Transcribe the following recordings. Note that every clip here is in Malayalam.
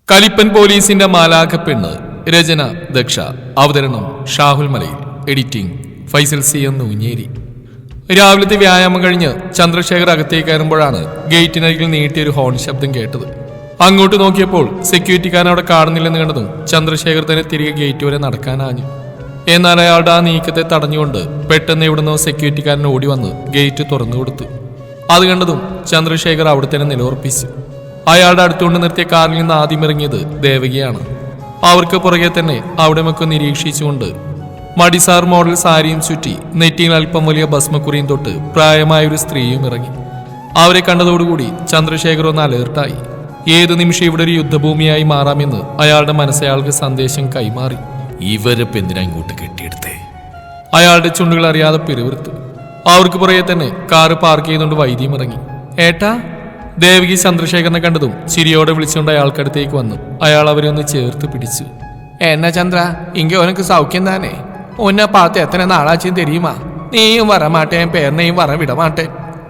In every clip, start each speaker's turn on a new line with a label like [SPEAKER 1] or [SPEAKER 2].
[SPEAKER 1] കലിപ്പൻ പോലീസിന്റെ മാലാഖപ്പെണ്ണ്. രചന ദക്ഷ. അവതരണം ഷാഹുൽ മലയിൽ. എഡിറ്റിംഗ് ഫൈസൽ സി എന്ന് ഊഞ്ഞേരി. രാവിലത്തെ വ്യായാമം കഴിഞ്ഞ് ചന്ദ്രശേഖർ അകത്തേക്ക് കയറുമ്പോഴാണ് ഗേറ്റിനരികിൽ നീട്ടിയൊരു ഹോൺ ശബ്ദം കേട്ടത്. അങ്ങോട്ട് നോക്കിയപ്പോൾ സെക്യൂരിറ്റിക്കാരൻ അവിടെ കാണുന്നില്ലെന്ന് കണ്ടതും ചന്ദ്രശേഖർ തന്നെ തിരികെ ഗേറ്റ് വരെ നടക്കാനാഞ്ഞു. എന്നാൽ അയാളുടെ ആ നീക്കത്തെ തടഞ്ഞുകൊണ്ട് പെട്ടെന്ന് എവിടുന്നോ സെക്യൂരിറ്റിക്കാരൻ ഓടി വന്ന് ഗേറ്റ് തുറന്നു കൊടുത്തു. അത് കണ്ടതും ചന്ദ്രശേഖർ അവിടെ തന്നെ നിലയുറപ്പിച്ചു. അയാളുടെ അടുത്തുകൊണ്ട് നിർത്തിയ കാറിൽ നിന്ന് ആദ്യം ഇറങ്ങിയത് ദേവകിയാണ്. അവർക്ക് പുറകെ തന്നെ അവിടെ ഒക്കെ നിരീക്ഷിച്ചുകൊണ്ട് മടിസാർ മോഡൽ സാരിയും ചുറ്റി നെറ്റിയിൽ അല്പം വലിയ ഭസ്മക്കുറിയും തൊട്ട് പ്രായമായൊരു സ്ത്രീയും ഇറങ്ങി. അവരെ കണ്ടതോടുകൂടി ചന്ദ്രശേഖർ ഒന്ന് അലേർട്ടായി. ഏത് നിമിഷം ഇവിടെ ഒരു യുദ്ധഭൂമിയായി മാറാമെന്ന് അയാളുടെ മനസ്സയാൾക്ക് സന്ദേശം കൈമാറി.
[SPEAKER 2] ഇവരപ്പ് എന്തിനാ ഇങ്ങോട്ട് കെട്ടിയെടുത്തേ?
[SPEAKER 1] അയാളുടെ ചുണ്ടുകൾ അറിയാതെ പിറുവിറുത്തു. അവർക്ക് പുറകെ തന്നെ കാറ് പാർക്ക് ചെയ്തുകൊണ്ട് വൈദ്യം ഇറങ്ങി. ഏട്ടാ. ദേവകി ചന്ദ്രശേഖരനെ കണ്ടതും ചിരിയോടെ വിളിച്ചുകൊണ്ട് അയാൾക്കടുത്തേക്ക് വന്നു. അയാൾ അവരെ ഒന്ന് ചേർത്ത് പിടിച്ചു. എന്നാ ചന്ദ്ര, ഇങ്ങ ഉനക്ക് സൗഖ്യം താനേ? ഉന്നെ പാത്ത് എത്ര നാളാച്ചും തെരിയുമാ? നീയും വരമാട്ടെ, പേരനെയും വര വിടമാട്ടെ.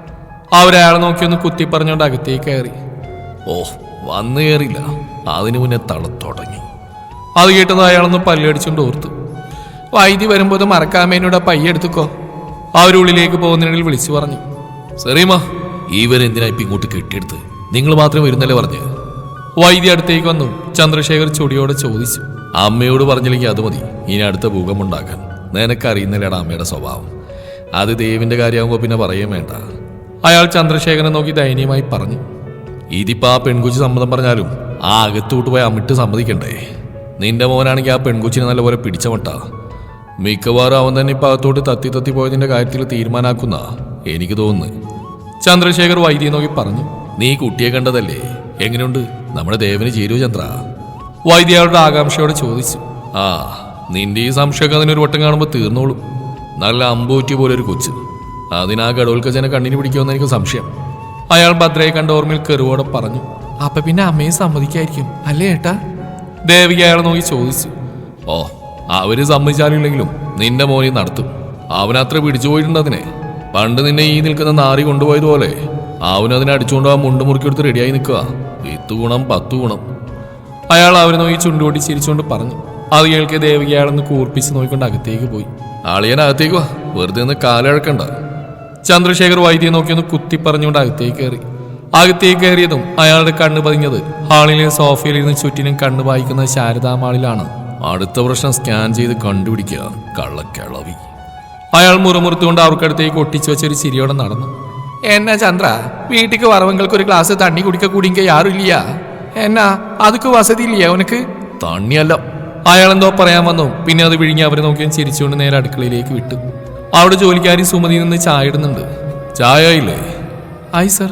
[SPEAKER 1] അവരയാളെ നോക്കിയൊന്ന് കുത്തി പറഞ്ഞുകൊണ്ട് അകത്തേക്ക് കയറി.
[SPEAKER 2] ഓ, വന്നു കയറില്ല, അതിനു മുന്നേ തളത്തുടങ്ങി.
[SPEAKER 1] അത് കേട്ടത് അയാളൊന്ന് പല്ലടിച്ചുകൊണ്ട് ഓർത്തു. വൈദ്യ വരുമ്പോൾ മറക്കാമേനോട് പയ്യെടുത്തുക്കോ. അവരുള്ളിലേക്ക് പോകുന്നതിനിടയിൽ വിളിച്ചു പറഞ്ഞു.
[SPEAKER 2] സെറീമ, ഇവരെന്തിനാ ഇപ്പം ഇങ്ങോട്ട് കെട്ടിയെടുത്ത്? നിങ്ങൾ മാത്രം വരുന്നല്ലേ പറഞ്ഞ്?
[SPEAKER 1] വൈദ്യ അടുത്തേക്ക് വന്നു ചന്ദ്രശേഖർ ചൊടിയോടെ ചോദിച്ചു.
[SPEAKER 2] അമ്മയോട് പറഞ്ഞില്ലെങ്കിൽ അത് മതി ഇനി അടുത്ത ഭൂകമ്പം ഉണ്ടാക്കാൻ. നിനക്കറിയുന്നില്ലടാ അമ്മയുടെ സ്വഭാവം. അത് ദേവിന്റെ കാര്യമാകുമ്പോൾ പിന്നെ പറയുകയും വേണ്ട.
[SPEAKER 1] അയാൾ ചന്ദ്രശേഖരനെ നോക്കി ദയനീയമായി പറഞ്ഞു.
[SPEAKER 2] ഇതിപ്പോ ആ പെൺകുച്ചി സമ്മതം പറഞ്ഞാലും ആ അകത്തോട്ട് പോയി അമ്മിട്ട് സമ്മതിക്കണ്ടേ? നിന്റെ മോനാണെങ്കിൽ ആ പെൺകുച്ചിനെ നല്ലപോലെ പിടിച്ചമട്ട. മിക്കവാറും അവൻ തന്നെ ഇപ്പൊ അകത്തോട്ട് തത്തി പോയതിന്റെ കാര്യത്തിൽ തീരുമാനാക്കുന്ന എനിക്ക് തോന്നുന്നു.
[SPEAKER 1] ചന്ദ്രശേഖർ വൈദ്യയെ നോക്കി പറഞ്ഞു.
[SPEAKER 2] നീ കുട്ടിയെ കണ്ടതല്ലേ, എങ്ങനെയുണ്ട്? നമ്മുടെ ദേവന് ചേരുവോ ചന്ദ്ര?
[SPEAKER 1] വൈദ്യ അയാളുടെ ആകാംക്ഷയോടെ ചോദിച്ചു.
[SPEAKER 2] ആ, നിന്റെ ഈ സംശയമൊക്കെ അതിനൊരു വട്ടം കാണുമ്പോൾ തീർന്നോളും. നല്ല അമ്പൂറ്റി പോലെ ഒരു കൊച്ച്. അതിനാ ഗഡോൽക്കച്ചനെ കണ്ണിന് പിടിക്കുമെന്ന് എനിക്ക് സംശയം.
[SPEAKER 1] അയാൾ ഭദ്രയെ കണ്ട ഓർമ്മയിൽ കെറുവോടെ പറഞ്ഞു. അപ്പൊ പിന്നെ അമ്മയെ സമ്മതിക്കായിരിക്കും അല്ലേ ഏട്ടാ? ദേവിക അയാളെ നോക്കി ചോദിച്ചു.
[SPEAKER 2] ഓ, അവര് സമ്മതിച്ചാലില്ലെങ്കിലും നിന്റെ മോനെ നടത്തും. അവനത്ര പിടിച്ചു പോയിട്ടുണ്ട് അതിനെ. പണ്ട് നിന്നെ ഈ നിൽക്കുന്ന നാറി കൊണ്ടുപോയതുപോലെ അവനതിനെ അടിച്ചുകൊണ്ട് ആ മുണ്ട് മുറുക്കിയെടുത്ത് റെഡിയായി നിൽക്കുക. 8 ഗുണം 10 ഗുണം.
[SPEAKER 1] അയാൾ അവരെ നോക്കി ചുണ്ടുകൂട്ടി ചിരിച്ചുകൊണ്ട് പറഞ്ഞു. അത് കേൾക്കെ ദേവിക അയാളൊന്ന് കൂർപ്പിച്ച് നോക്കിക്കൊണ്ട് അകത്തേക്ക് പോയി.
[SPEAKER 2] ആളിയനകത്തേക്ക് വാ, വെറുതെ ഒന്ന് കാലഴക്കണ്ട.
[SPEAKER 1] ചന്ദ്രശേഖർ വൈദ്യയെ നോക്കിയൊന്ന് കുത്തി പറഞ്ഞുകൊണ്ട് അകത്തേക്ക് കയറി. അകത്തേക്ക് കയറിയതും അയാളുടെ കണ്ണ് പതിഞ്ഞത് ഹാളിലെ സോഫയിലിരുന്ന് ചുറ്റിനും കണ്ണ് വായിക്കുന്ന ശാരദാമാളിലാണ്.
[SPEAKER 2] അടുത്ത പ്രശ്നം സ്കാൻ ചെയ്ത് കണ്ടുപിടിക്കുക, കള്ളക്കിളവി.
[SPEAKER 1] അയാൾ മുറുമുറുത്തുകൊണ്ട് അവർക്കടുത്തേക്ക് ഒട്ടിച്ചു വെച്ചൊരു ചിരിയോടെ നടന്നു. എന്നാ ചന്ദ്ര, വീട്ടിക്ക് വറവങ്ങൾക്ക് ഒരു ഗ്ലാസ് തണ്ണി കുടിക്ക കൂടിങ്ക യാരും ഇല്ല? എന്നാ അതൊക്കെ വസതി ഇല്ല ഉനക്ക്?
[SPEAKER 2] തണ്ണിയല്ല.
[SPEAKER 1] അയാളെന്തോ പറയാൻ വന്നു. പിന്നെ അത് വിഴുങ്ങി അവരെ നോക്കിയും ചിരിച്ചുകൊണ്ട് നേരെ അടുക്കളയിലേക്ക് വിട്ടു. അവിടെ ജോലിക്കാരി സുമതി നിന്ന് ചായ ഇടുന്നുണ്ട്.
[SPEAKER 2] ചായ ഇല്ലേ?
[SPEAKER 1] ആയി സർ.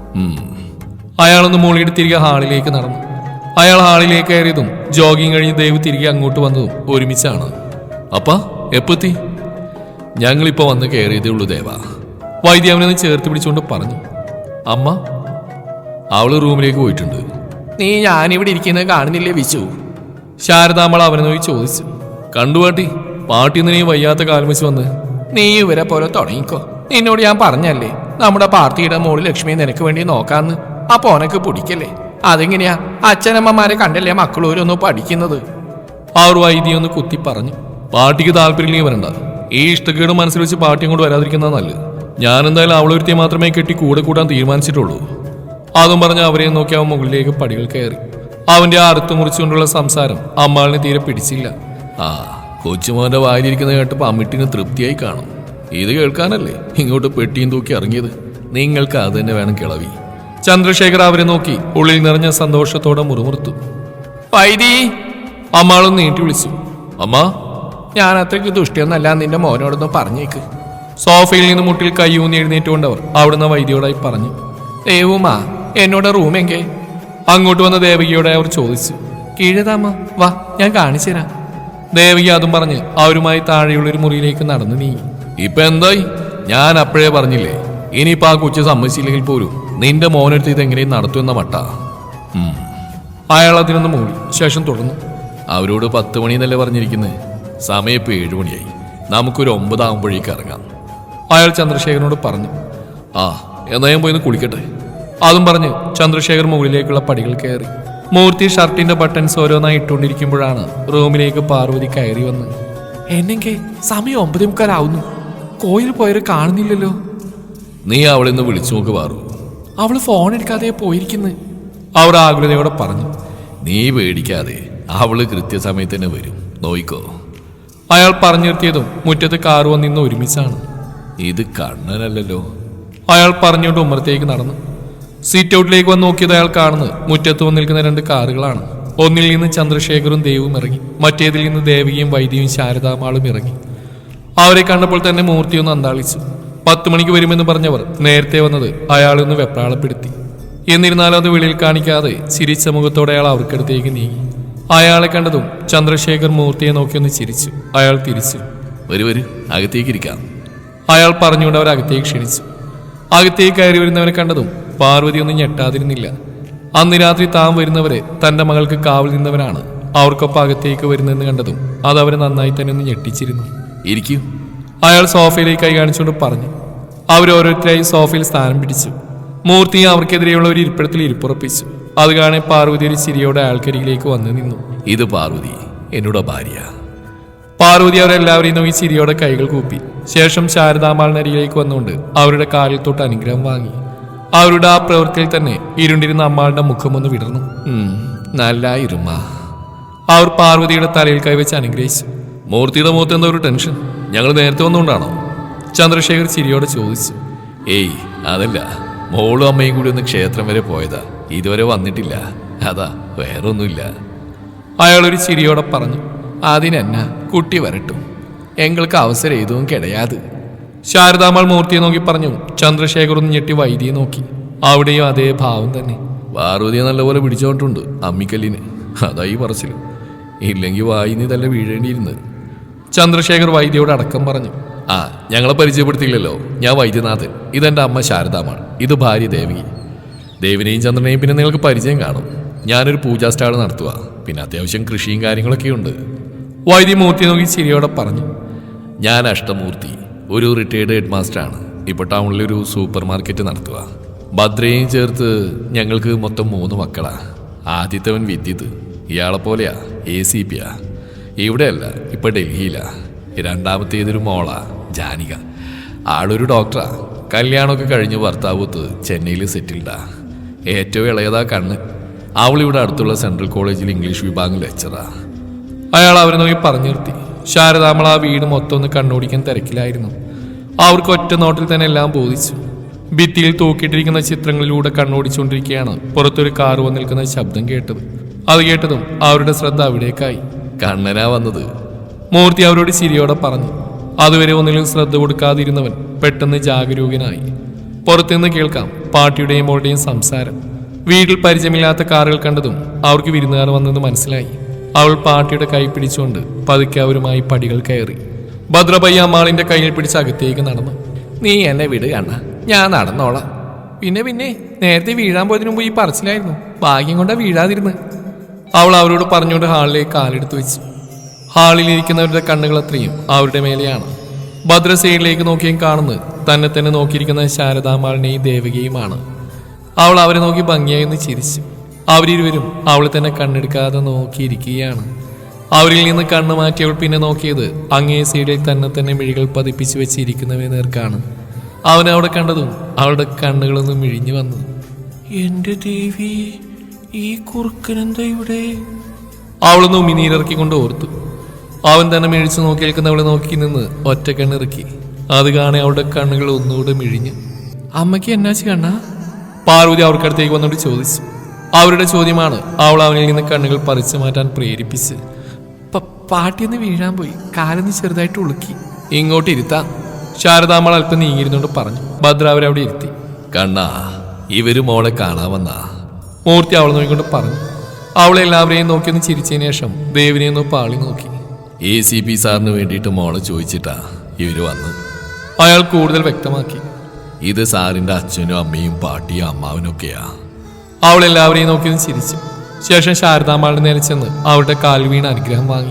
[SPEAKER 1] അയാളൊന്ന് മോളിയിട്ട് തിരികെ ഹാളിലേക്ക് നടന്നു. അയാൾ ഹാളിലേക്ക് കയറിയതും ജോഗിങ് കഴിഞ്ഞ് ദേവ് തിരികെ അങ്ങോട്ട് വന്നതും ഒരുമിച്ചാണ്.
[SPEAKER 2] അപ്പ എപ്പെത്തി?
[SPEAKER 1] ഞങ്ങളിപ്പോ വന്ന് കയറിയതേ ഉള്ളൂ ദേവ. വൈദ്യ അവനെ ചേർത്ത് പിടിച്ചുകൊണ്ട് പറഞ്ഞു.
[SPEAKER 2] അമ്മ? അവള് റൂമിലേക്ക് പോയിട്ടുണ്ട്.
[SPEAKER 1] നീ ഞാനിവിടെ ഇരിക്കുന്നത് കാണുന്നില്ലേ വിശു? ശാരദാമ്മൾ അവനെ നോക്കി ചോദിച്ചു.
[SPEAKER 2] കണ്ടു പാട്ടി, പാട്ടിന്ന് നീ വയ്യാത്ത കാലം വെച്ച് വന്ന്.
[SPEAKER 1] നീ ഇവരെ പോലെ തുടങ്ങിക്കോ. നിന്നോട് ഞാൻ പറഞ്ഞല്ലേ നമ്മുടെ പാർട്ടിയുടെ മോള് ലക്ഷ്മി നിനക്ക് വേണ്ടി നോക്കാന്ന്. അപ്പൊ ഓനക്ക് പിടിക്കല്ലേ? അതെങ്ങനെയാ? അച്ഛനമ്മമാരെ കണ്ടല്ലേ മക്കളോരൊന്നും പഠിക്കുന്നത്? അവർ വൈദ്യ ഒന്ന് കുത്തി പറഞ്ഞു.
[SPEAKER 2] പാർട്ടിക്ക് താല്പര്യം വരണ്ട. ഈ ഇഷ്ടക്കേട് മനസ്സിൽ വെച്ച് പാർട്ടി അങ്ങോട്ട് വരാതിരിക്കുന്നത് നല്ലത്. ഞാനെന്തായാലും അവളൊരുത്തിയെ മാത്രമേ കെട്ടി കൂടെ കൂട്ടാൻ തീരുമാനിച്ചിട്ടുള്ളൂ.
[SPEAKER 1] അതും പറഞ്ഞ് അവരെ നോക്കി അവൻ മുകളിലേക്ക് പടികൾ കയറി. അവന്റെ അറുത്തു മുറിച്ചുകൊണ്ടുള്ള സംസാരം അമ്മാളിനെ തീരെ പിടിച്ചില്ല.
[SPEAKER 2] ആ, കൊച്ചുമോന്റെ വായിലിരിക്കുന്ന കേട്ടപ്പോ അമ്മിട്ടിന് തൃപ്തിയായി കാണും. ഇത് കേൾക്കാനല്ലേ ഇങ്ങോട്ട് പെട്ടിയും തൂക്കി ഇറങ്ങിയത്? നിങ്ങൾക്ക് അത് തന്നെ വേണം കിളവി.
[SPEAKER 1] ചന്ദ്രശേഖർ അവരെ നോക്കി ഉള്ളിൽ നിറഞ്ഞ സന്തോഷത്തോടെ മുറുമുറുത്തു. വൈദി! അമ്മാളൊന്ന് നീട്ടി വിളിച്ചു.
[SPEAKER 2] അമ്മ,
[SPEAKER 1] ഞാൻ അത്രയ്ക്ക് ദുഷ്ടിയൊന്നല്ല, നിന്റെ മോനോടൊന്ന് പറഞ്ഞേക്ക്. സോഫയിൽ നിന്ന് മുട്ടിൽ കൈയൂന്നി എഴുന്നേറ്റുകൊണ്ടവർ അവിടുന്ന് വൈദ്യയോടായി പറഞ്ഞു. ദേവുമാ, എന്നോട് റൂമെങ്കേ? അങ്ങോട്ട് വന്ന ദേവകിയോടെ അവർ ചോദിച്ചു. കീഴതാമ്മ, വാ ഞാൻ കാണിച്ചു തരാം. ദേവകി അതും പറഞ്ഞ് അവരുമായി താഴെയുള്ളൊരു മുറിയിലേക്ക് നടന്നു നീങ്ങി.
[SPEAKER 2] ഇപ്പൊ എന്തായി? ഞാൻ അപ്പോഴേ പറഞ്ഞില്ലേ, ഇനിയിപ്പോ ആ കൊച്ചു സമ്മതിച്ചില്ലെങ്കിൽ പോലും നിന്റെ മോനെടുത്ത് ഇതെങ്ങനെയും നടത്തുമെന്ന മട്ട.
[SPEAKER 1] അയാൾ അതിനൊന്ന് മൂടി ശേഷം തുടർന്നു.
[SPEAKER 2] അവരോട് 10 മണിന്നല്ലേ പറഞ്ഞിരിക്കുന്നത്? സമയം ഇപ്പൊ 7 മണിയായി. നമുക്കൊരു 9 ആകുമ്പോഴേക്ക് ഇറങ്ങാം.
[SPEAKER 1] അയാൾ ചന്ദ്രശേഖരനോട് പറഞ്ഞു.
[SPEAKER 2] ആ, എന്നാ ഞാൻ പോയിന്ന് കുളിക്കട്ടെ.
[SPEAKER 1] അതും പറഞ്ഞ് ചന്ദ്രശേഖർ മുകളിലേക്കുള്ള പടികൾ കയറി. മൂർത്തി ഷർട്ടിന്റെ ബട്ടൺസ് ഓരോന്നായി ഇട്ടുകൊണ്ടിരിക്കുമ്പോഴാണ് റൂമിലേക്ക് പാർവതി കയറി വന്ന്. എന്നെങ്കിൽ സമയം 9:45 കോയിൽ പോയവരെ കാണുന്നില്ലല്ലോ.
[SPEAKER 2] നീ അവളെ ഒന്ന് വിളിച്ചു നോക്ക് പാറു.
[SPEAKER 1] അവള് ഫോൺ എടുക്കാതെ പോയിരിക്കുന്നു, അവർ ആകുലതയോടെ പറഞ്ഞു.
[SPEAKER 2] നീ പേടിക്കാതെ, അവള് കൃത്യസമയത്ത് തന്നെ വരും, നോയിക്കോ.
[SPEAKER 1] അയാൾ പറഞ്ഞു നിർത്തിയതും മുറ്റത്ത് കാറ് വന്നിന്ന് ഒരുമിച്ചാണ്.
[SPEAKER 2] ഇത് കണ്ണനല്ലല്ലോ.
[SPEAKER 1] അയാൾ പറഞ്ഞുകൊണ്ട് ഉമ്മറത്തേക്ക് നടന്നു. സീറ്റ് ഔട്ടിലേക്ക് വന്ന് നോക്കിയത് അയാൾ കാണുന്നത് മുറ്റത്ത് വന്ന് നിൽക്കുന്ന 2 കാറുകളാണ്. ഒന്നിൽ നിന്ന് ചന്ദ്രശേഖറും ദേവും ഇറങ്ങി, മറ്റേതിൽ നിന്ന് ദേവികയും വൈദ്യയും ശാരദാമാളും ഇറങ്ങി. അവരെ കണ്ടപ്പോൾ തന്നെ മൂർത്തിയൊന്ന് അന്താളിച്ചു. 10 മണിക്ക് വരുമെന്ന് പറഞ്ഞവർ നേരത്തെ വന്നത് അയാളൊന്ന് വെപ്രാളപ്പെടുത്തി. എന്നിരുന്നാലും അത് വെളിയിൽ കാണിക്കാതെ ചിരിച്ച മുഖത്തോടെ അയാൾ അവർക്കടുത്തേക്ക് നീങ്ങി. അയാളെ കണ്ടതും ചന്ദ്രശേഖർ മൂർത്തിയെ നോക്കിയൊന്ന് ചിരിച്ചു. അയാൾ തിരിച്ചു.
[SPEAKER 2] വരൂ, അകത്തേക്കിരിക്കാം.
[SPEAKER 1] അയാൾ പറഞ്ഞുകൊണ്ട് അവർ അകത്തേക്ക് ക്ഷണിച്ചു. അകത്തേക്ക് കയറി വരുന്നവരെ കണ്ടതും പാർവതി ഒന്നും ഞെട്ടാതിരുന്നില്ല. അന്ന് രാത്രി താൻ വരുന്നവരെ തന്റെ മകൾക്ക് കാവൽ നിന്നവരാണ്. അവർക്കൊപ്പം അകത്തേക്ക് വരുന്നതെന്ന് കണ്ടതും അത് അവരെ നന്നായി തന്നെ ഒന്ന് ഞെട്ടിച്ചിരുന്നു.
[SPEAKER 2] ഇരിക്കൂ,
[SPEAKER 1] അയാൾ സോഫയിലേക്ക് കൈ കാണിച്ചുകൊണ്ട് പറഞ്ഞു. അവരോരോരുത്തരായി സോഫയിൽ സ്ഥാനം പിടിച്ചു. മൂർത്തി അവർക്കെതിരെയുള്ള ഒരു ഇരിപ്പിടത്തിൽ ഇരിപ്പുറപ്പിച്ചു. അത് കാണെ പാർവതി ഒരു ചിരിയോടെ ആൾക്കരികിലേക്ക് വന്നു നിന്നു.
[SPEAKER 2] ഇത് പാർവതി, എന്നോട് ഭാര്യ.
[SPEAKER 1] പാർവതി അവരെല്ലാവരെയും നോക്കി ചിരിയോടെ കൈകൾ കൂപ്പി. ശേഷം ശാരദാമാളിനരികിലേക്ക് വന്നുകൊണ്ട് അവരുടെ കാലിൽ തൊട്ട് അനുഗ്രഹം വാങ്ങി. അവരുടെ ആ പ്രവൃത്തിയിൽ തന്നെ ഇരുണ്ടിരുന്ന അമ്മാളുടെ മുഖമൊന്ന് വിടർന്നു.
[SPEAKER 2] നല്ലായിരുമ്മ.
[SPEAKER 1] അവർ പാർവതിയുടെ തലയിൽ കൈവച്ച് അനുഗ്രഹിച്ചു.
[SPEAKER 2] മൂർത്തിയുടെ മുഖത്ത് എന്താ ഒരു ടെൻഷൻ? ഞങ്ങൾ നേരത്തെ വന്നുകൊണ്ടാണോ?
[SPEAKER 1] ചന്ദ്രശേഖർ ചിരിയോടെ ചോദിച്ചു.
[SPEAKER 2] ഏയ്, അതല്ല, മോളും അമ്മയും കൂടി ഒന്ന് ക്ഷേത്രം വരെ പോയതാ, ഇതുവരെ വന്നിട്ടില്ല, അതാ, വേറൊന്നുമില്ല.
[SPEAKER 1] അയാളൊരു ചിരിയോടെ പറഞ്ഞു. അതിനെന്നാ, കുട്ടി വരട്ടും, എങ്ങൾക്ക് അവസരം ഏതും കിടയാത്. ശാരദാമാൾ മൂർത്തിയെ നോക്കി പറഞ്ഞു. ചന്ദ്രശേഖർ ഒന്ന് ഞെട്ടി വൈദ്യയെ നോക്കി. അവിടെയും അതേ ഭാവം തന്നെ.
[SPEAKER 2] പാർവതിയെ നല്ലപോലെ പിടിച്ചോട്ടുണ്ട് അമ്മിക്കല്ലിന്, അതായി പറച്ചില്. ഇല്ലെങ്കിൽ വായിന്ന് തല്ല വീഴേണ്ടിയിരുന്ന്.
[SPEAKER 1] ചന്ദ്രശേഖർ വൈദ്യയോട് അടക്കം പറഞ്ഞു.
[SPEAKER 2] ആ, ഞങ്ങളെ പരിചയപ്പെടുത്തിയില്ലല്ലോ. ഞാൻ വൈദ്യനാഥൻ, ഇതെന്റെ അമ്മ ശാരദാമാൾ, ഇത് ഭാര്യ ദേവി. ദേവിനെയും ചന്ദ്രനെയും പിന്നെ നിങ്ങൾക്ക് പരിചയം കാണും. ഞാനൊരു പൂജാ സ്റ്റാൾ നടത്തുക, പിന്നെ അത്യാവശ്യം കൃഷിയും കാര്യങ്ങളൊക്കെ ഉണ്ട്.
[SPEAKER 1] വൈദ്യ മൂർത്തിയെ നോക്കി ചിരിയോടെ പറഞ്ഞു.
[SPEAKER 2] ഞാൻ അഷ്ടമൂർത്തി, ഒരു റിട്ടയർഡ് ഹെഡ് മാസ്റ്ററാണ്. ഇപ്പോൾ ടൗണിലൊരു സൂപ്പർ മാർക്കറ്റ് നടത്തുക. ഭദ്രയും ചേർത്ത് ഞങ്ങൾക്ക് മൊത്തം 3 മക്കളാ. ആദ്യത്തവൻ വിദ്യുത്, ഇയാളെ പോലെയാ, ACP. ഇവിടെയല്ല, ഇപ്പൊ ഡൽഹിയിലാ. രണ്ടാമത്തേതൊരു മോളാ, ജാനിക. ആളൊരു ഡോക്ടറാ. കല്യാണമൊക്കെ കഴിഞ്ഞ് ഭർത്താവൂത്ത് ചെന്നൈയിൽ സെറ്റിൽഡാ. ഏറ്റവും ഇളയതാ കണ്ണ്. അവളിവിടെ അടുത്തുള്ള സെൻട്രൽ കോളേജിൽ ഇംഗ്ലീഷ് വിഭാഗം ലെക്ചറാ.
[SPEAKER 1] അയാൾ അവരെ നോക്കി പറഞ്ഞു നിർത്തി. ശാരദാമൾ ആ വീട് മൊത്തം ഒന്ന് കണ്ണോടിക്കാൻ തിരക്കിലായിരുന്നു. അവർക്ക് ഒറ്റ നോട്ടിൽ തന്നെ എല്ലാം ബോധിച്ചു. ഭിത്തിയിൽ തൂക്കിയിട്ടിരിക്കുന്ന ചിത്രങ്ങളിലൂടെ കണ്ണോടിച്ചുകൊണ്ടിരിക്കുകയാണ് പുറത്തൊരു കാറ് വന്ന് നിൽക്കുന്ന ശബ്ദം കേട്ടത്. അത് കേട്ടതും അവരുടെ ശ്രദ്ധ അവിടേക്കായി.
[SPEAKER 2] കണ്ണനാ വന്നത്,
[SPEAKER 1] മൂർത്തി അവരോട് ചിരിയോടെ പറഞ്ഞു. അതുവരെ ഒന്നിലും ശ്രദ്ധ കൊടുക്കാതിരുന്നവൻ പെട്ടെന്ന് ജാഗരൂകനായി. പുറത്തുനിന്ന് കേൾക്കാം പാട്ടിയുടെയും മോളുടെയും സംസാരം. വീട്ടിൽ പരിചയമില്ലാത്ത കാറുകൾ കണ്ടതും അവർക്ക് വിരുന്നുകാർ വന്നെന്ന് മനസ്സിലായി. അവൾ പാട്ടിയുടെ കൈ പിടിച്ചുകൊണ്ട് പതുക്കെ അവരുമായി പടികൾ കയറി. ഭദ്രപയ്യ അമ്മാളിന്റെ കയ്യിൽ പിടിച്ച് അകത്തേക്ക് നടന്നു. നീ എന്നെ വിട് കണ്ണ, ഞാൻ നടന്നോളാം. പിന്നെ നേരത്തെ വീഴാൻ പോയതിനു മുമ്പ് ഈ പറച്ചിലായിരുന്നു, ഭാഗ്യം കൊണ്ടാ വീഴാതിരുന്ന്. അവൾ അവരോട് പറഞ്ഞുകൊണ്ട് ഹാളിലേക്ക് കാലെടുത്ത് വെച്ചു. ഹാളിലിരിക്കുന്നവരുടെ കണ്ണുകൾ അത്രയും അവരുടെ മേലെയാണ്. ഭദ്ര സൈഡിലേക്ക് നോക്കിയും കാണുന്നത് തന്നെ തന്നെ നോക്കിയിരിക്കുന്ന ശാരദാമാളിനെയും ദേവകിയുമാണ്. അവൾ അവരെ നോക്കി ഭംഗിയായി ഒന്ന് ചിരിച്ചു. അവരിരുവരും അവളെ തന്നെ കണ്ണെടുക്കാതെ നോക്കിയിരിക്കുകയാണ്. അവരിൽ നിന്ന് കണ്ണ് മാറ്റിയവൾ പിന്നെ നോക്കിയത് അങ്ങേ സൈഡിൽ തന്നെ മിഴികൾ പതിപ്പിച്ചു വെച്ചിരിക്കുന്നവയെ നേർക്കാണ്. അവൻ അവിടെ കണ്ടതും അവളുടെ കണ്ണുകളൊന്നും മിഴിഞ്ഞു വന്നു. എന്റെ ദേവി, ഈ കുറുക്കനെന്താ ഇവിടെ? അവളൊന്ന് ഉമിനീരിറക്കിക്കൊണ്ട് ഓർത്തു. അവൻ തന്നെ മിഴിച്ചു നോക്കി നിൽക്കുന്നവളെ നോക്കി നിന്ന് ഒറ്റ കണ്ണിറക്കി. അത് കാണെ അവളുടെ കണ്ണുകൾ ഒന്നുകൂടെ മിഴിഞ്ഞു. അമ്മയ്ക്ക് എന്നാച്ച് കണ്ണാ? പാർവതി അവർക്കടുത്തേക്ക് വന്നോണ്ട് ചോദിച്ചു. അവരുടെ ചോദ്യമാണ് അവൾ അവനിൽ നിന്ന് കണ്ണുകൾ പറിച്ചു മാറ്റാൻ പ്രേരിപ്പിച്ച്. പാട്ടിയൊന്ന് വീഴാൻ പോയി, കാലൊന്ന് ചെറുതായിട്ട് ഉളുക്കി. ഇങ്ങോട്ട് ഇരുത്താം, ശാരദാമ്മൾ അല്പം നീങ്ങിയിരുന്നോണ്ട് പറഞ്ഞു. ഭദ്ര അവരവിടെ ഇരുത്തി.
[SPEAKER 2] കണ്ണാ, ഇവര് മോളെ കാണാമെന്നാ
[SPEAKER 1] മൂർത്തി അവളെ നോക്കിക്കൊണ്ട് പറഞ്ഞു. അവളെ എല്ലാവരെയും നോക്കിയൊന്ന് ചിരിച്ചതിന് ശേഷം ദേവിനെ ഒന്ന് പാളി നോക്കി.
[SPEAKER 2] ACP സാറിന് വേണ്ടിയിട്ട് മോളെ ചോദിച്ചിട്ടാ ഇവര് വന്നു.
[SPEAKER 1] അയാൾ കൂടുതൽ വ്യക്തമാക്കി.
[SPEAKER 2] ഇത് സാറിന്റെ അച്ഛനും അമ്മയും പാട്ടിയും അമ്മാവനൊക്കെയാ.
[SPEAKER 1] അവൾ എല്ലാവരെയും നോക്കിയൊന്ന് ചിരിച്ചു. ശേഷം ശാരദാമ്മളുടെ നേരെ ചെന്ന് അവരുടെ കാൽ വീണ് അനുഗ്രഹം വാങ്ങി.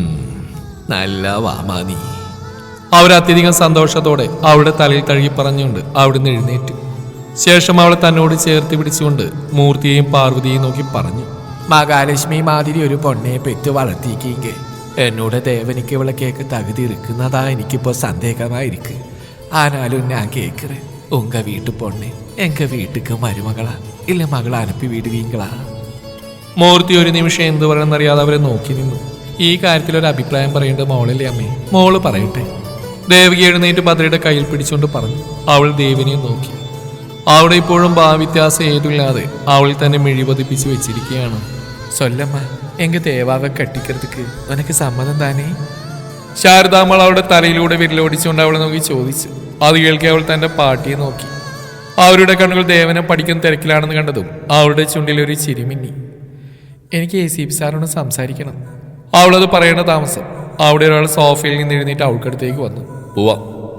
[SPEAKER 2] നല്ല വാമാനി.
[SPEAKER 1] അവരത്യധികം സന്തോഷത്തോടെ അവളുടെ തലയിൽ തഴുകി പറഞ്ഞുകൊണ്ട് അവിടുന്ന് എഴുന്നേറ്റു. ശേഷം അവളെ തന്നോട് ചേർത്ത് പിടിച്ചുകൊണ്ട് മൂർത്തിയെയും പാർവതിയെയും നോക്കി പറഞ്ഞു.
[SPEAKER 3] മഹാലക്ഷ്മി മാതിരി ഒരു പൊണ്ണയെ പെറ്റ് വളർത്തിക്കെങ്കിൽ എന്നോട് ദേവനിക്ക് ഇവളെ കേക്ക് തകുതി ഇരിക്കുന്നതാ എനിക്കിപ്പോ സന്ദേഹമായിരിക്കും. ആനാലും ഞാൻ കേക്കുറ ഉങ്ക വീട്ടു പൊണ്ണെ എങ്ക വീട്ടുക്ക് മരുമകളാ ഇല്ല മകളെ അനുപ്പി വിടുവീങ്കളാ.
[SPEAKER 1] മൂർത്തി ഒരു നിമിഷം എന്ത് പറയണമെന്നറിയാതെ അവരെ നോക്കി നിന്നു. ഈ കാര്യത്തിൽ ഒരു അഭിപ്രായം പറയേണ്ടത് മോളല്ലേ അമ്മേ? മോള് പറയട്ടെ. ദേവകി എഴുന്നേറ്റ് ഭദ്രയുടെ കയ്യിൽ പിടിച്ചുകൊണ്ട് പറഞ്ഞു. അവൾ ദേവിനെ നോക്കി. അവിടെ ഇപ്പോഴും ഭാവ്യത്യാസം ഏതുമില്ലാതെ അവൾ തന്നെ മിഴിപതിപ്പിച്ച് വെച്ചിരിക്കുകയാണ്.
[SPEAKER 3] സൊല്ലമ്മ എങ്ക ദേവാവ കട്ടിக்கிறதுக்கு ഉനക്ക് സമ്മതം താനേ?
[SPEAKER 1] ശാരദാമ്മൾ അവളുടെ തലയിലൂടെ വിരലോടിച്ചുകൊണ്ട് അവളെ നോക്കി ചോദിച്ചു. അത് കേൾക്കി അവൾ തന്റെ പാട്ടിയെ നോക്കി. അവരുടെ കണ്ണുകൾ ദേവനെ പഠിക്കുന്ന തിരക്കിലാണെന്ന് കണ്ടതും അവളുടെ ചുണ്ടിൽ ഒരു ചിരിമിന്നി.
[SPEAKER 3] എനിക്ക് ACP സാറിനോട് സംസാരിക്കണം.
[SPEAKER 1] അവളത് പറയേണ്ട താമസം അവിടെ ഒരാൾ സോഫയിൽ നിന്ന് എഴുന്നേറ്റ് അവൾക്കടുത്തേക്ക് വന്നു.
[SPEAKER 2] പോവാ.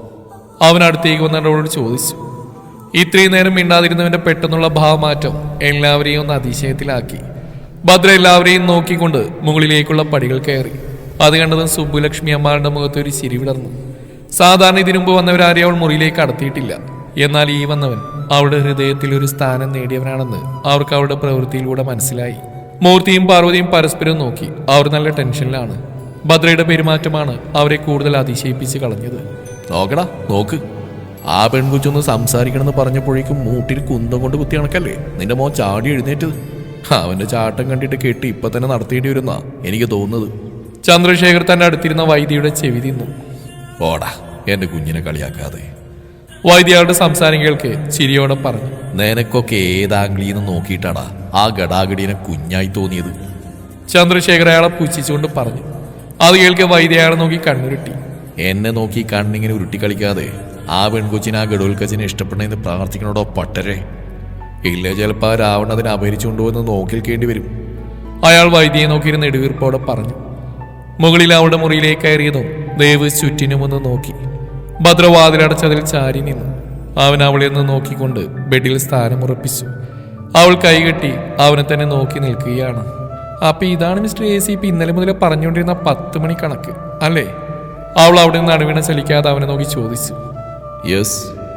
[SPEAKER 1] അവൻ അടുത്തേക്ക് വന്നിട്ട് അവളോട് ചോദിച്ചു. ഇത്രയും നേരം മിണ്ടാതിരുന്നവന്റെ പെട്ടെന്നുള്ള ഭാവമാറ്റം എല്ലാവരെയും ഒന്ന് അതിശയത്തിലാക്കി. ഭദ്ര എല്ലാവരെയും നോക്കിക്കൊണ്ട് മുകളിലേക്കുള്ള പടികൾ കയറി. അത് കണ്ടതും സുബ്ബുലക്ഷ്മി അമ്മാളുടെ മുഖത്ത് ഒരു ചിരി വിടർന്നു. സാധാരണ ഇതിനുമ്പ് വന്നവരാരെയും അവൾ മുറിയിലേക്ക് കടത്തിയിട്ടില്ല. എന്നാൽ ഈ വന്നവൻ അവളുടെ ഹൃദയത്തിൽ ഒരു സ്ഥാനം നേടിയവനാണെന്ന് അവർക്ക് അവരുടെ പ്രവൃത്തിയിലൂടെ മനസ്സിലായി. മൂർത്തിയും പാർവതിയും പരസ്പരം നോക്കി. അവർ നല്ല ടെൻഷനിലാണ്. ഭദ്രയുടെ പെരുമാറ്റമാണ് അവരെ കൂടുതൽ അതിശയിപ്പിച്ച് കളഞ്ഞത്.
[SPEAKER 2] നോക്കടാ നോക്ക്, ആ പെൺകുച്ചൊന്ന് സംസാരിക്കണമെന്ന് പറഞ്ഞപ്പോഴേക്കും മൂട്ടിൽ കുന്തം കൊണ്ട് കുത്തി കണക്കല്ലേ നിന്റെ മോൻ ചാടി എഴുന്നേറ്റത്. അവന്റെ ചാട്ടം കണ്ടിട്ട് കെട്ടി ഇപ്പൊ തന്നെ നടത്തേണ്ടി വരുന്നാ എനിക്ക് തോന്നുന്നത്.
[SPEAKER 1] ചന്ദ്രശേഖർ തന്റെ അടുത്തിരുന്ന വൈദ്യയുടെ ചെവി തിന്നു.
[SPEAKER 2] ഓടാ എന്റെ കുഞ്ഞിനെ കളിയാക്കാതെ.
[SPEAKER 1] വൈദ്യയുടെ സംസാരം കേൾക്ക് ചിരിയോടെ പറഞ്ഞു.
[SPEAKER 2] നിനക്കൊക്കെ ഏതാംഗ്ലീന്ന് നോക്കിയിട്ടാടാ ആ ഗടാഗടീനെ കുഞ്ഞായി തോന്നിയത്.
[SPEAKER 1] ചന്ദ്രശേഖർ അയാളെ പുച്ഛിച്ചുകൊണ്ട് പറഞ്ഞു. അത് കേൾക്കെ വൈദ്യ അയാളെ നോക്കി കണ്ണുരുട്ടി.
[SPEAKER 2] എന്നെ നോക്കി കണ്ണിങ്ങനെ ഉരുട്ടി കളിക്കാതെ ആ പെൺകൊച്ചിനെ ആ ഗഡോൽക്കച്ചിനെ ഇഷ്ടപ്പെടണമെന്ന് പ്രാർത്ഥിക്കണോടോ പട്ടരെ. ഇല്ല ചിലപ്പോൾ ആ രാവണതിനെ അപഹരിച്ചുകൊണ്ടുവന്ന് നോക്കിൽക്കേണ്ടി വരും.
[SPEAKER 1] അയാൾ വൈദ്യയെ നോക്കിയിരുന്ന നെടുവീർപ്പോടെ പറഞ്ഞു. മുകളിൽ അവളുടെ മുറിയിലേക്ക് കയറിയതും ദേവ് ചുറ്റിനുമൊന്ന് നോക്കി. ഭദ്രവാതിലടച്ചതിൽ ചാരി നിന്നു. അവൻ അവളെ ഒന്ന് നോക്കിക്കൊണ്ട് ബെഡിൽ സ്ഥാനമുറപ്പിച്ചു. അവൾ കൈകെട്ടി അവനെ തന്നെ നോക്കി നിൽക്കുകയാണ്. അപ്പൊ ഇതാണ് മിസ്റ്റർ ACP ഇന്നലെ മുതലേ പറഞ്ഞുകൊണ്ടിരുന്ന 10 മണി കണക്ക് അല്ലേ? അവൾ അവിടെ നിന്ന് നടുവിനെ ചലിക്കാതെ അവനെ നോക്കി ചോദിച്ചു.
[SPEAKER 2] യെസ്.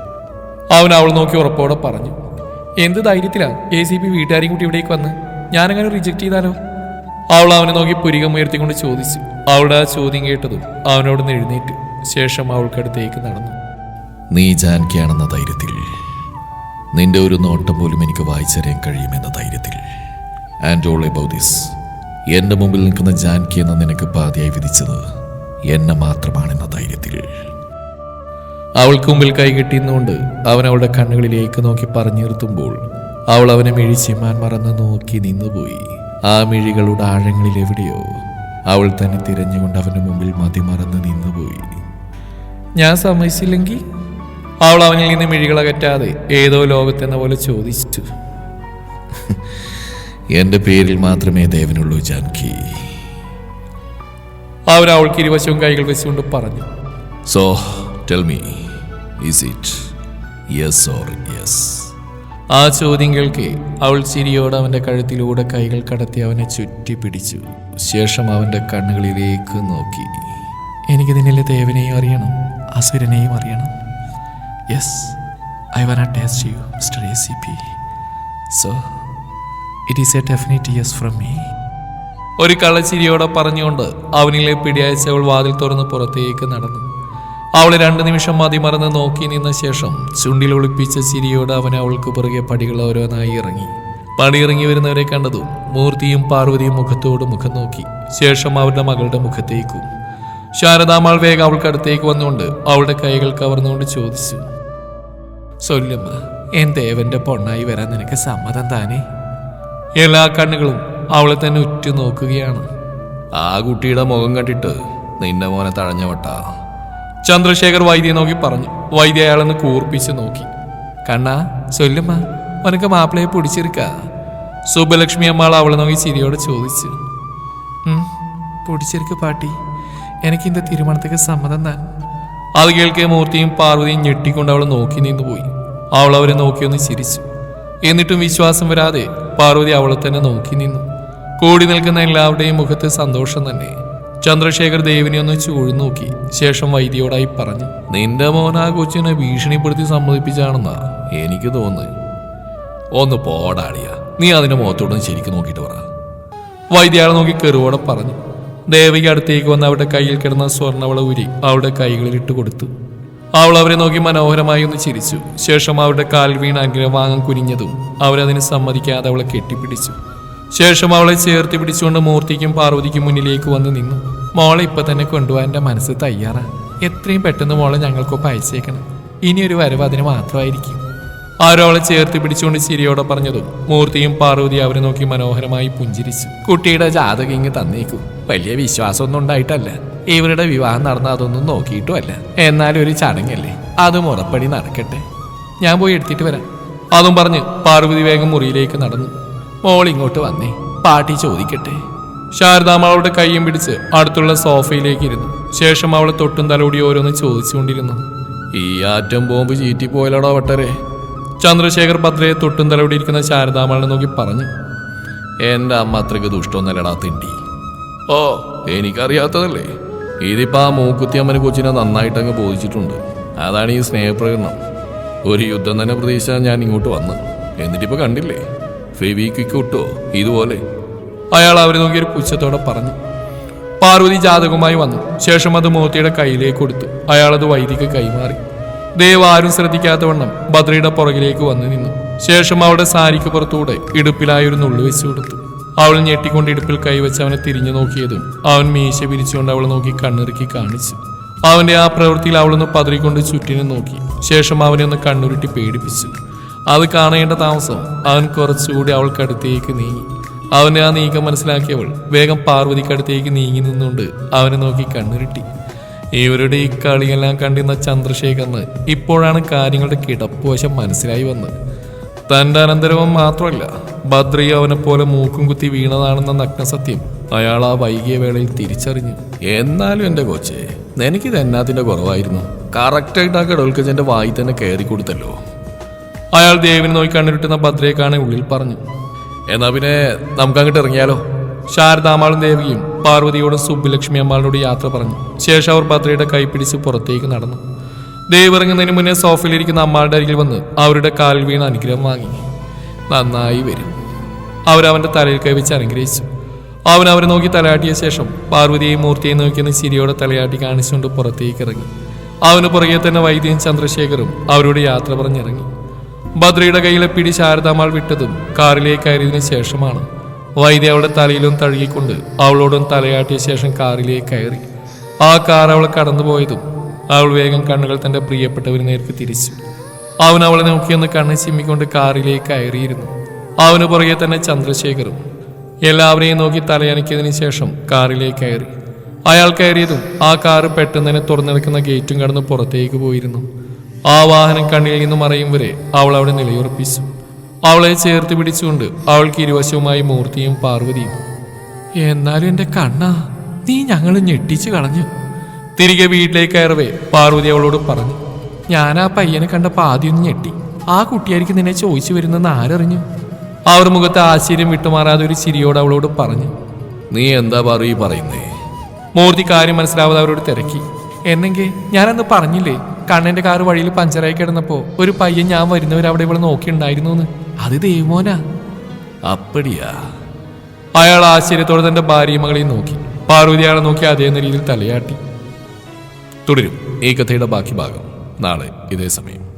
[SPEAKER 1] അവൻ അവൾ നോക്കി ഉറപ്പോടെ പറഞ്ഞു. എന്ത് ധൈര്യത്തിലാ ACP വീട്ടുകാരെയും കൂട്ടി ഇവിടേക്ക് വന്ന്? ഞാനങ്ങനെ റിജക്ട് ചെയ്താലോ? അവൾ അവനെ നോക്കി പുരികം ഉയർത്തിക്കൊണ്ട് ചോദിച്ചു. അവളുടെ ആ ചോദ്യം കേട്ടതും അവനോട് എഴുന്നേറ്റു. ശേഷം അവൾക്കടുത്തേക്ക് നടന്നു.
[SPEAKER 2] നീ ജാൻകിയാണെന്ന ധൈര്യത്തിൽ, നിന്റെ ഒരു നോട്ടം പോലും എനിക്ക് വായിച്ചറിയാൻ കഴിയുമെന്ന ധൈര്യത്തിൽ, ആൻഡ് ഓൾ എബൌട്ട് ദിസ്, എന്റെ മുമ്പിൽ നിൽക്കുന്ന ജാൻകി എന്ന നിനക്ക് പാതിയായി വിധിച്ചത് എന്നെ മാത്രമാണെന്ന ധൈര്യത്തിൽ.
[SPEAKER 1] അവൾക്ക് മുമ്പിൽ കൈകെട്ടിന്നുകൊണ്ട് അവൻ അവളുടെ കണ്ണുകളിലേക്ക് നോക്കി പറഞ്ഞു നിർത്തുമ്പോൾ അവൾ അവനെ മിഴിച്ചിമാൻ മറന്ന് നോക്കി നിന്നുപോയി. ആ മിഴികളുടെ ആഴങ്ങളിൽ എവിടെയോ അവൾ തന്നെ തിരഞ്ഞുകൊണ്ട് അവന്റെ മുമ്പിൽ മതിമറന്ന് നിന്നുപോയി. ഞാൻ സമ്മതിച്ചില്ലെങ്കിൽ? അവൾ അവനിൽ നിന്ന് മിഴികളകറ്റാതെ ഏതോ ലോകത്തെന്ന പോലെ ചോദിച്ചു.
[SPEAKER 2] എന്റെ പേരിൽ മാത്രമേ ദേവനുള്ളൂ ജാൻകി.
[SPEAKER 1] അവൻ അവൾക്ക് ഇരുവശവും കൈകൾ വെച്ചുകൊണ്ട് പറഞ്ഞു.
[SPEAKER 2] So tell me, is it yes or yes?
[SPEAKER 1] ആ ചോദ്യം കേൾക്കെ അവൾ ചിരിയോടെ അവന്റെ കഴുത്തിലൂടെ കൈകൾ കടത്തി അവനെ ചുറ്റി പിടിച്ചു. ശേഷം അവന്റെ കണ്ണുകളിലേക്ക് നോക്കി. എനിക്ക് നിന്നിലെ ദേവനെയും അറിയണം, അസുരനെയും അറിയണം. Yes, I want to taste you mister ACP. So it is a definite yes from me. ഒരു കള്ളച്ചിരിയോടെ പറഞ്ഞുകൊണ്ട് അവനിലെ പിടിയയച്ച് അവൾ വാതിൽ തുറന്ന് പുറത്തേക്ക് നടന്നു. അവളെ 2 നിമിഷം മതിമറന്ന് നോക്കി നിന്ന ശേഷം ചുണ്ടിൽ ഒളിപ്പിച്ച ചിരിയോടെ അവൻ അവൾക്ക് പുറകെ പടികൾ ഓരോന്നായി ഇറങ്ങി. പടിയിറങ്ങി വരുന്നവരെ കണ്ടതും മൂർത്തിയും പാർവതിയും മുഖത്തോട് മുഖം നോക്കി. ശേഷം അവരുടെ മകളുടെ മുഖത്തേക്കും. ശാരദാമാൾ വേഗം അവൾക്കടുത്തേക്ക് വന്നുകൊണ്ട് അവളുടെ കൈകൾ കവർന്നുകൊണ്ട് ചോദിച്ചു. സൊല്ലുമ്മ, എൻ ദേവന്റെ പൊണ്ണായി വരാൻ നിനക്ക് സമ്മതം താനേ? എല്ലാ കണ്ണുകളും അവളെ തന്നെ ഉറ്റു നോക്കുകയാണ്.
[SPEAKER 2] ആ കുട്ടിയുടെ മുഖം കണ്ടിട്ട് നിന്റെ മോനെ തഴഞ്ഞവട്ടാ.
[SPEAKER 1] ചന്ദ്രശേഖർ വൈദ്യയെ നോക്കി പറഞ്ഞു. വൈദ്യ അയാളെന്ന് കൂർപ്പിച്ച് നോക്കി. കണ്ണാ ചൊല്ലുമ്മ, ഉനക്ക് മാപ്പിളയെ പിടിച്ചിരിക്ക? സുബ്ബലക്ഷ്മി അമ്മാൾ അവളെ നോക്കി ചിരിയോടെ ചോദിച്ചു. പിടിച്ചിരിക്ക പാട്ടി, എനിക്ക് ഇന്റെ തിരുമണത്തേക്ക് സമ്മതം താൻ. അത് കേൾക്കെ മൂർത്തിയും പാർവതിയും ഞെട്ടിക്കൊണ്ട് അവളെ നോക്കി നിന്നുപോയി. അവൾ അവരെ നോക്കിയൊന്ന് ചിരിച്ചു. എന്നിട്ടും വിശ്വാസം വരാതെ പാർവതി അവളെ തന്നെ നോക്കി നിന്നു. കൂടി നിൽക്കുന്ന എല്ലാവരുടെയും മുഖത്ത് സന്തോഷം തന്നെ. ചന്ദ്രശേഖർ ദേവിനെ ഒന്ന് ചൂഴ്ന്നു നോക്കി. ശേഷം വൈദ്യയോടായി പറഞ്ഞു.
[SPEAKER 2] നിന്റെ മോൻ ആ കൊച്ചിനെ ഭീഷണിപ്പെടുത്തി സമ്മതിപ്പിച്ചാണെന്നാ എനിക്ക് തോന്നുന്നു. ഒന്ന് പോടാടിയ, നീ അതിന്റെ മുഖത്തോടൊന്ന് ശരിക്കും നോക്കിയിട്ട് പറ.
[SPEAKER 1] വൈദ്യയാളെ നോക്കി കെറുവോടെ പറഞ്ഞു. ദേവകി അടുത്തേക്ക് വന്ന് അവരുടെ കയ്യിൽ കിടന്ന സ്വർണ്ണവള ഊരി അവരുടെ കൈകളിൽ ഇട്ട് കൊടുത്തു. അവൾ അവരെ നോക്കി മനോഹരമായി ഒന്ന് ചിരിച്ചു. ശേഷം അവരുടെ കാൽ വീണ് അനുഗ്രഹം വാങ്ങാൻ കുനിഞ്ഞതും അവരതിന് സമ്മതിക്കാതെ അവളെ കെട്ടിപ്പിടിച്ചു. ശേഷം അവളെ ചേർത്ത് പിടിച്ചുകൊണ്ട് മൂർത്തിക്കും പാർവതിക്കും മുന്നിലേക്ക് വന്ന് നിന്നു. മോളെ ഇപ്പൊ തന്നെ കൊണ്ടുപോകാൻ എൻ്റെ മനസ്സ് തയ്യാറാ. എത്രയും പെട്ടെന്ന് മോളെ ഞങ്ങൾക്കൊപ്പം അയച്ചേക്കണം. ഇനിയൊരു വരവ് അതിന് മാത്രമായിരിക്കും. ആരോ അവളെ ചേർത്ത് പിടിച്ചുകൊണ്ട് ചിരിയോടെ പറഞ്ഞതും മൂർത്തിയും പാർവതി അവരെ നോക്കി മനോഹരമായി പുഞ്ചിരിച്ചു. കുട്ടിയുടെ ജാതകം ഇങ്ങ് തന്നേക്കും. വലിയ വിശ്വാസമൊന്നും ഉണ്ടായിട്ടല്ല. ഇവരുടെ വിവാഹം നടന്ന അതൊന്നും നോക്കിയിട്ടുമല്ല. എന്നാലും ഒരു ചടങ്ങല്ലേ, അത് മുറപ്പടി നടക്കട്ടെ. ഞാൻ പോയി എടുത്തിട്ട് വരാം. അതും പറഞ്ഞ് പാർവതി വേഗം മുറിയിലേക്ക് നടന്നു. മോൾ ഇങ്ങോട്ട് വന്നേ, പാട്ടി ചോദിക്കട്ടെ. ശാരദാമ്മ അവളുടെ കൈയും പിടിച്ച് അടുത്തുള്ള സോഫയിലേക്ക് ഇരുന്നു. ശേഷം അവളെ തൊട്ടും തലോടി ഓരോന്ന് ചോദിച്ചുകൊണ്ടിരുന്നു.
[SPEAKER 2] ഈ ആറ്റം ബോംബ് ചീറ്റിപ്പോയലോടോ വട്ടരെ.
[SPEAKER 1] ചന്ദ്രശേഖർ ഭദ്രയെ തൊട്ടും തലോടിയിരിക്കുന്ന ശാരദാമ്മളെ നോക്കി പറഞ്ഞു.
[SPEAKER 2] എൻ്റെ അമ്മ അത്രയ്ക്ക് ദുഷ്ടമൊന്നല്ലടാ തിണ്ടി. ഓ, എനിക്കറിയാത്തതല്ലേ. ഇതിപ്പോ ആ മൂക്കുത്തി അമ്മന് കൊച്ചിനെ നന്നായിട്ടങ്ങ് ബോധിച്ചിട്ടുണ്ട്. അതാണ് ഈ സ്നേഹപ്രകടനം. ഒരു യുദ്ധം തന്നെ പ്രതീക്ഷിച്ചാൽ ഞാൻ ഇങ്ങോട്ട് വന്ന്. എന്നിട്ടിപ്പോ കണ്ടില്ലേ, ഫെവിക്വിക്ക് കിട്ടോ ഇതുപോലെ.
[SPEAKER 1] അയാൾ അവരെ നോക്കി ഒരു പുച്ഛത്തോടെ പറഞ്ഞു. പാർവതി ജാതകവുമായി വന്നു. ശേഷം അത് മൂർത്തിയുടെ കയ്യിലേക്ക് കൊടുത്തു. അയാളത് വൈദിക്ക് കൈമാറി. ദേവ് ആരും ശ്രദ്ധിക്കാത്തവണ്ണം ഭദ്രയുടെ പുറകിലേക്ക് വന്നു നിന്നു. ശേഷം അവളുടെ സാരിക്ക് പുറത്തൂടെ ഇടുപ്പിലായി ഒരു നുള്ളു വെച്ചു കൊടുത്തു. അവൾ ഞെട്ടിക്കൊണ്ട് ഇടുപ്പിൽ കൈവച്ച് അവനെ തിരിഞ്ഞു നോക്കിയതും അവൻ മീശ പിരിച്ചുകൊണ്ട് അവളെ നോക്കി കണ്ണിറുക്കി കാണിച്ചു. അവന്റെ ആ പ്രവൃത്തിയിൽ അവളൊന്ന് പതറിക്കൊണ്ട് ചുറ്റിനും നോക്കി. ശേഷം അവനെ ഒന്ന് കണ്ണുരുട്ടി പേടിപ്പിച്ചു. അത് കാണേണ്ട താമസം അവൻ കുറച്ചുകൂടി അവൾക്കടുത്തേക്ക് നീങ്ങി. അവന്റെ ആ നീക്കം മനസ്സിലാക്കിയവൾ വേഗം പാർവതിക്കടുത്തേക്ക് നീങ്ങി നിന്നുകൊണ്ട് അവനെ നോക്കി കണ്ണുരുട്ടി. ഇവരുടെ ഈ കളിയെല്ലാം കണ്ടിരുന്ന ചന്ദ്രശേഖറിന് ഇപ്പോഴാണ് കാര്യങ്ങളുടെ കിടപ്പുവശം മനസ്സിലായി വന്നത്. തന്റെ അനന്തരവൻ മാത്രമല്ല, ഭദ്രയെ അവനെ പോലെ മൂക്കും കുത്തി വീണതാണെന്ന നഗ്നസത്യം അയാൾ ആ വൈകിയ വേളയിൽ തിരിച്ചറിഞ്ഞു. എന്നാലും എൻ്റെ കൊച്ചേ, എനിക്കിത് എന്നാത്തിന്റെ കുറവായിരുന്നു. കറക്റ്റായിട്ട് ആ കടൽക്കജന്റെ വായി തന്നെ കയറി കൊടുത്തല്ലോ. അയാൾ ദേവിനെ നോക്കി കണ്ണിരുട്ടുന്ന ഭദ്രയെ കാണാൻ ഉള്ളിൽ പറഞ്ഞു.
[SPEAKER 2] എന്നാ പിന്നെ നമുക്ക് അങ്ങോട്ട് ഇറങ്ങിയാലോ.
[SPEAKER 1] ശാരദാമ്മാളും ദേവിയും പാർവതിയോടും സുബ്ബുലക്ഷ്മി അമ്മാളിനോട് യാത്ര പറഞ്ഞു. ശേഷം അവർ ഭദ്രയുടെ കൈ പിടിച്ച് പുറത്തേക്ക് നടന്നു. ദേവ് ഇറങ്ങുന്നതിന് മുന്നേ സോഫയിലിരിക്കുന്ന അമ്മാളുടെ അരികിൽ വന്ന് അവരുടെ കാലിൽ വീണ് അനുഗ്രഹം വാങ്ങി. നന്നായി വരും. അവരവന്റെ തലയിൽ കൈവച്ച് അനുഗ്രഹിച്ചു. അവൻ അവരെ നോക്കി തലയാട്ടിയ ശേഷം പാർവതിയെയും മൂർത്തിയെയും നോക്കിയെന്ന് ചിരിയോടെ തലയാട്ടി കാണിച്ചുകൊണ്ട് പുറത്തേക്ക് ഇറങ്ങി. അവന് പുറകെ തന്നെ വൈദ്യയും ചന്ദ്രശേഖറും അവരോട് യാത്ര പറഞ്ഞിറങ്ങി. ഭദ്രയുടെ കയ്യിലെ പിടി ശാരദാമ്മാൾ വിട്ടതും കാറിലേക്ക് കയറിയതിനു ശേഷമാണ്. വൈദ്യ അവളുടെ തലയിലും തഴുകിക്കൊണ്ട് അവളോടും തലയാട്ടിയ ശേഷം കാറിലേക്ക് കയറി. ആ കാർ അവളെ കടന്നുപോയതും അവൾ വേഗം കണ്ണുകൾ തന്റെ പ്രിയപ്പെട്ടവന് നേർക്ക് തിരിച്ചു. അവൻ അവളെ നോക്കിയൊന്ന് കണ്ണ് ചിമ്മിക്കൊണ്ട് കാറിലേക്ക് കയറിയിരുന്നു. അവന് പുറകെ തന്നെ ചന്ദ്രശേഖറും. എല്ലാവരെയും നോക്കി തലയനക്കിയതിനു ശേഷം കാറിലേക്ക് കയറി. അയാൾ കയറിയതും ആ കാറ് പെട്ടെന്ന് തന്നെ തുറന്നെടുക്കുന്ന ഗേറ്റും കടന്ന് പുറത്തേക്ക് പോയിരുന്നു. ആ വാഹനം കണ്ണിൽ നിന്ന് മറയും വരെ അവൾ അവിടെ നിലയുറപ്പിച്ചു. അവളെ ചേർത്ത് പിടിച്ചുകൊണ്ട് അവൾക്ക് ഇരുവശവുമായി മൂർത്തിയും പാർവതിയും. എന്നാലും എൻ്റെ കണ്ണാ, നീ ഞങ്ങൾ ഞെട്ടിച്ചു കളഞ്ഞു. തിരികെ വീട്ടിലേക്ക് കയറവേ പാർവതി അവളോട് പറഞ്ഞു. ഞാൻ ആ പയ്യനെ കണ്ടപ്പോൾ ആദ്യം ഞെട്ടി. ആ കുട്ടിയായിരിക്കും നിന്നെ ചോദിച്ചു വരുന്നെന്ന് ആരറിഞ്ഞു? അവർ മുഖത്ത് ആശ്ചര്യം വിട്ടുമാറാതെ ഒരു ചിരിയോട് അവളോട് പറഞ്ഞു.
[SPEAKER 2] നീ എന്താ പറയുന്നേ?
[SPEAKER 1] മൂർത്തി കാര്യം മനസ്സിലാവാതെ അവരോട് തിരക്കി. എന്നെങ്കിൽ ഞാനന്ന് പറഞ്ഞില്ലേ, കണ്ണന്റെ കാറ് വഴിയിൽ പഞ്ചറായി കിടന്നപ്പോ ഒരു പയ്യൻ ഞാൻ വരുന്നവരവിടെ ഇവിടെ നോക്കിയിട്ടുണ്ടായിരുന്നു എന്ന്. അത് ദേവമോനാ.
[SPEAKER 2] അപ്പടിയാ?
[SPEAKER 1] അയാൾ ആശ്ചര്യത്തോടെ തന്റെ ഭാര്യയും മകളെയും നോക്കി. പാർവതി അയാളെ നോക്കി അതേ നിലയിൽ തലയാട്ടി.
[SPEAKER 2] തുടരും ഈ കഥയുടെ ബാക്കി ഭാഗം നാളെ ഇതേ സമയം.